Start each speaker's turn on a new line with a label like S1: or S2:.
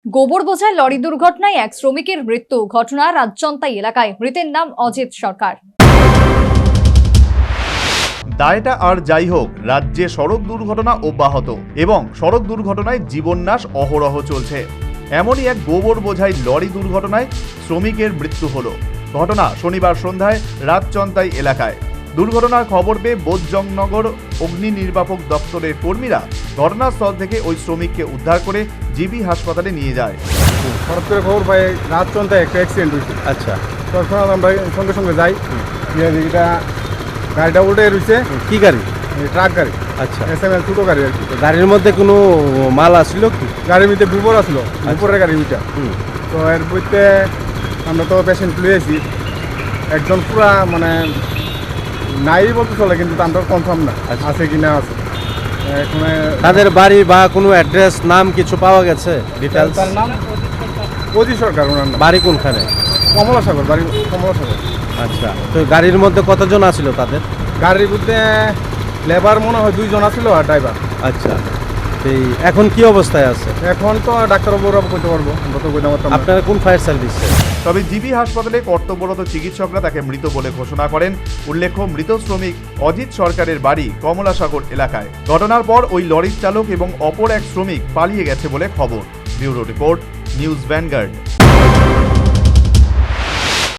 S1: গোবর বোঝাই লরি দুর্ঘটনায় এক শ্রমিকের মৃত্যু। ঘটনা রাজচন্তাই এলাকায়। মৃতের নাম অজিত সরকার।
S2: দায়টা আর যাই হোক, রাজ্যে সড়ক দুর্ঘটনা অব্যাহত এবং সড়ক দুর্ঘটনায় জীবননাশ অহরহ চলছে। এমনই এক গোবর বোঝাই লরি দুর্ঘটনায় শ্রমিকের মৃত্যু হলো। ঘটনা শনিবার সন্ধ্যায় রাজচন্তাই এলাকায়। দুর্ঘটনার খবর পেয়ে বোধজংনগর অগ্নি নির্বাপক দপ্তরের কর্মীরা ঘটনাস্থল থেকে ওই শ্রমিককে উদ্ধার করে জিবি হাসপাতালে নিয়ে যায়।
S3: হঠাৎ করে খবর পাই রাজচন্তায় একটা অ্যাক্সিডেন্ট হয়েছে।
S4: আচ্ছা,
S3: তখন আমরা সঙ্গে সঙ্গে যাই। এটা গাড়িটা উল্টে রয়েছে।
S4: কি গাড়ি?
S3: ট্রাক গাড়ি।
S4: আচ্ছা,
S3: SML ছোটো গাড়ি আর কি।
S4: গাড়ির মধ্যে কোনো মাল আসছিল কি?
S3: গাড়ির মধ্যে গোবর আসলো, গোবরের গাড়ি ওইটা। তো এর বইতে আমরা তো পেশেন্ট লুয়েছি, একজন পুরা মানে নাই বলতে চলে, কিন্তু আমরা কনফার্ম না আছে কি না আছে। এখন
S4: তাদের বাড়ি বা কোনো অ্যাড্রেস, নাম কিছু পাওয়া গেছে? ডিটেলস?
S3: তার নাম অজিত সরকার, ওনার নাম।
S4: বাড়ি কোনখানে?
S3: কমলাসাগর, বাড়ি কমলাসাগর।
S4: আচ্ছা, তো গাড়ির মধ্যে কতজন আছিল তাদের?
S3: গাড়ির মধ্যে লেবার মনে হয় 2 জন আছিল আর ড্রাইভার।
S4: আচ্ছা, এই এখন কি অবস্থায় আছে?
S3: এখন তো ডাক্তারবাবুরা কইতে পারবো, আমরা তো কইতে পারতাম না।
S4: আপনারা কোন ফায়ার সার্ভিস?
S2: তবে জিবি হাসপাতালে কর্তব্যরত চিকিৎসকরা তাকে মৃত বলে ঘোষণা করেন। উল্লেখ্য, মৃত শ্রমিক অজিত সরকারের বাড়ি কমলাসাগর এলাকায়। ঘটনার পর ওই লরির চালক এবং অপর এক শ্রমিক পালিয়ে গেছে বলে খবর। Bureau report, News vanguard.